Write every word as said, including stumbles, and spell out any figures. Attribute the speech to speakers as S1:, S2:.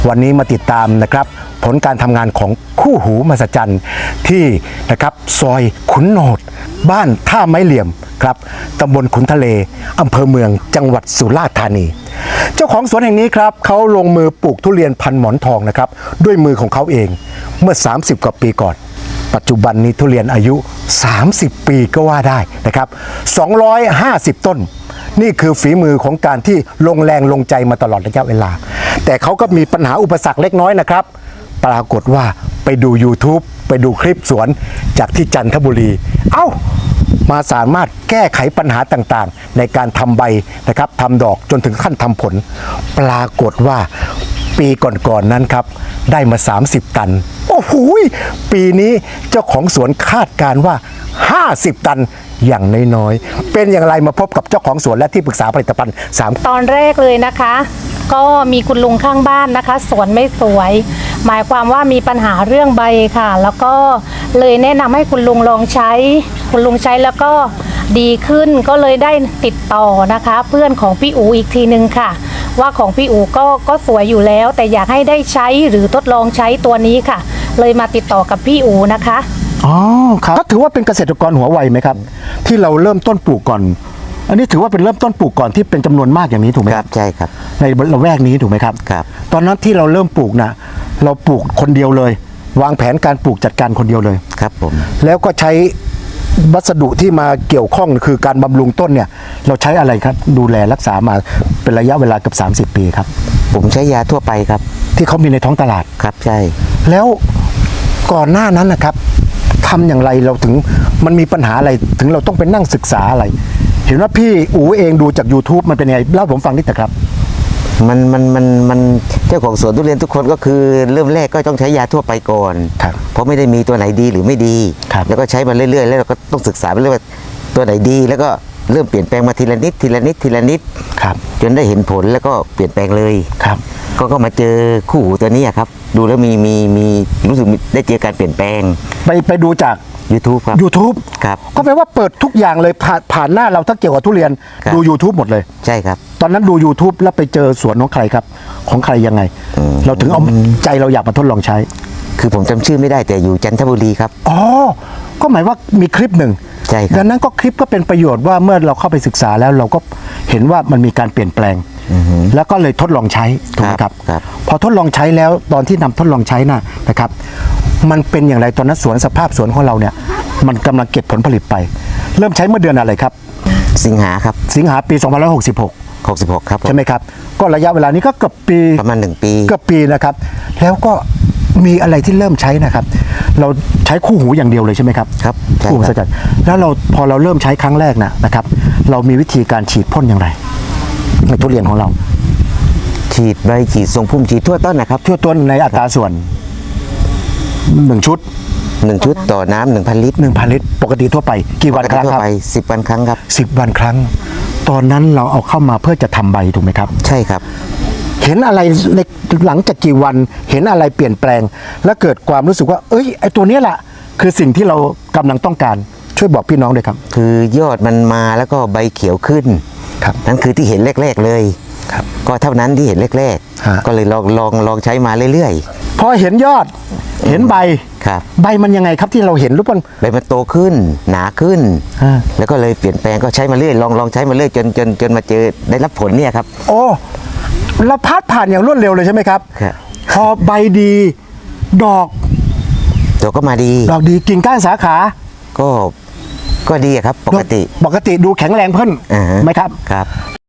S1: วันนี้มาติดตามนะครับผลการทำงานของคู่หูมหัศจรรย์ที่นะครับซอยขุนโหนดบ้านท่าไม้เหลี่ยมครับตำบลขุนทะเลอำเภอเมืองจังหวัดสุราษฎร์ธานีเจ้าของสวนแห่งนี้ครับเขาลงมือปลูกทุเรียนพันหมอนทองนะครับด้วยมือของเขาเองเมื่อสามสิบกว่าปีก่อนปัจจุบันนี้ทุเรียนอายุสามสิบปีก็ว่าได้นะครับสองร้อยห้าสิบต้นนี่คือฝีมือของการที่ลงแรงลงใจมาตลอดระยะเวลาแต่เขาก็มีปัญหาอุปสรรคเล็กน้อยนะครับปรากฏว่าไปดู YouTube ไปดูคลิปสวนจากที่จันทบุรีเอ้ามาสามารถแก้ไขปัญหาต่างๆในการทำใบนะครับทำดอกจนถึงขั้นทำผลปรากฏว่าปีก่อนๆนั้นครับได้มาสามสิบตันโอ้โหปีนี้เจ้าของสวนคาดการณ์ว่าห้าสิบตันอย่างน้อยๆเป็นอย่างไรมาพบกับเจ้าของสวนและที่ปรึกษาผลิตภัณฑ์สาม
S2: ตอนแรกเลยนะคะ ก็มีคุณลุงข้างบ้านนะคะสวนไม่สวยหมายความว่ามีปัญหาเรื่องใบค่ะแล้วก็เลยแนะนำให้คุณลุงลองใช้คุณลุงใช้แล้วก็ดีขึ้นก็เลยได้ติดต่อนะคะ เพื่อนของพี่อูอีกทีนึงค่ะว่าของพี่อูก็ก็สวยอยู่แล้วแต่อยากให้ได้ใช้หรือทดลองใช้ตัวนี้ค่ะเลยมาติดต่อกับพี่อูนะคะ
S1: อ๋อครับถือว่าเป็นเกษตรกรหัวไวไหมครับที่เราเริ่มต้นปลูกก่อนอันนี้ถือว่าเป็นเริ่มต้นปลูกก่อนที่เป็นจำนวนมากอย่างนี้ถูกไหมครับ
S3: ใช่ครับ
S1: ในละแวกนี้ถูกไหมครับ
S3: ครับ
S1: ตอนนั้นที่เราเริ่มปลูกนะเราปลูกคนเดียวเลย วางแผนการปลูกจัดการคนเดียวเลย
S3: ครับผม
S1: แล้วก็ใช้วัสดุที่มาเกี่ยวข้องคือการบำรุงต้นเนี่ยเราใช้อะไรครับดูแลรักษามาเป็นระยะเวลาเกือบสามสิบปีครับ
S3: ผมใช้ยาทั่วไปครับ
S1: ที่เขามีในท้องตลาด
S3: ครับใช่
S1: แล้วก่อนหน้านั้นนะครับทำอย่างไรเราถึงมันมีปัญหาอะไรถึงเราต้องไปนั่งศึกษาอะไรเห็นว่าพี่อู๋เองดูจาก YouTube มันเป็นไงเล่าผมฟังนิดแต่ครับ
S3: มันมันมันมันเจ้าของสวนทุเรียนทุกคนก็คือเริ่มแรกก็ต้องใช้ยาทั่วไปก่อนเพราะไม่ได้มีตัวไหนดีหรือไม่ดีแล้วก็ใช้มาเรื่อยๆแล้วเราก็ต้องศึกษาไปเรื่อยว่าตัวไหนดีแล้วก็เริ่มเปลี่ยนแปลงมาทีละนิดทีละนิดทีละนิดจนได้เห็นผลแล้วก็เปลี่ยนแปลงเลย
S1: ครับ
S3: ก็ก็มาเจอคู่หูตัวนี้ครับดูแล้วมีมีมีรู้สึกได้เจอการเปลี่ยนแปลง
S1: ไปไปดูจาก
S3: YouTube ครับ
S1: YouTube
S3: ครับ
S1: ก็แปลว่าเปิดทุกอย่างเลยผ่านผ่านหน้าเราถ้าเกี่ยวกับทุเรียนดู YouTube หมดเลย
S3: ใช่ครับ
S1: ตอนนั้นดู YouTube แล้วไปเจอสวนของใครครับของใครยังไงเราถึงเอาใจเราอยากมาทดลองใช้
S3: คือผมจำชื่อไม่ได้แต่อยู่จันทบุรีครับ
S1: อ๋อก็หมายว่ามีคลิปหนึ่ง
S3: ใช่ครับ
S1: ดังนั้นก็คลิปก็เป็นประโยชน์ว่าเมื่อเราเข้าไปศึกษาแล้วเราก็เห็นว่ามันมีการเปลี่ยนแปลงแล้วก็เลยทดลองใช้ถูกไหมครับพอทดลองใช้แล้วตอนที่นำทดลองใช้น่ะนะครับมันเป็นอย่างไรตอนนั้นสวนสภาพสวนของเราเนี่ยมันกำลังเก็บผลผลิตไปเริ่มใช้เมื่อเดือนอะไรครับ
S3: สิงหาครับ
S1: สิงหาปีสองพันห้าร้อยหกสิบหก
S3: หกสิบหกครับ
S1: ใช่ไหมครับก็ระยะเวลานี้ก็เกือบปี
S3: ประมาณหนึ่งปี
S1: เกือบปีนะครับแล้วก็มีอะไรที่เริ่มใช้นะครับเราใช้คู่หูอย่างเดียวเลยใช่ไหมครับ
S3: ครับ
S1: คู่หูสกัดแล้วเราพอเราเริ่มใช้ครั้งแรกนะนะครับเรามีวิธีการฉีดพ่นอย่างไรในทุเรียนของเรา
S3: ฉีดใบฉีดทรงพุ่มฉีดทั่วต้นนะครับ
S1: ทั่วต้นในอัตราส่วนหนึ่งชุด
S3: หนึ่งชุดต่อน้ำหนึ่งพันลิตร
S1: หนึ่งพันลิตรปกติทั่วไปกี่วันครั้งครับ
S3: สิบวันครั้งครับ
S1: สิบวันครั้งตอนนั้นเราเอาเข้ามาเพื่อจะทำใบถูกไหมครับ
S3: ใช่ครับ
S1: เห็นอะไรในหลังจากกี่วันเห็นอะไรเปลี่ยนแปลงและเกิดความรู้สึกว่าเอ้ยไอตัวนี้แหละคือสิ่งที่เรากำลังต้องการช่วยบอกพี่น้องด้วยครับ
S3: คือยอดมันมาแล้วก็ใบเขียวขึ้น
S1: ครับ
S3: นั่นคือที่เห็นแรกๆเลย
S1: ครับ
S3: ก็เท่านั้นที่เห็นแรกๆก็เลยลองลองลองใช้มาเรื่อย
S1: ๆพอเห็นยอดเห็นใบ
S3: ครับ
S1: ใบมันยังไงครับที่เราเห็นรูปมัน
S3: ใบมันโตขึ้นหนาขึ้นแล้วก็เลยเปลี่ยนแปลงก็ใช้มาเรื่อยลองลองใช้มาเรื่อยจนจนจนมาเจอได้รับผลเนี่ยครับ
S1: โอ้เราพัดผ่านอย่างรวดเร็วเลยใช่ไหมครับ
S3: ครับ
S1: พอใบดีดอก
S3: ดอกก็มาดี
S1: ดอกดีกิ่งก้านสาขา
S3: ก็ก็ดีครับปกติ
S1: ปกติดูแข็งแรงเพิ่มไหมครับ
S3: ครับ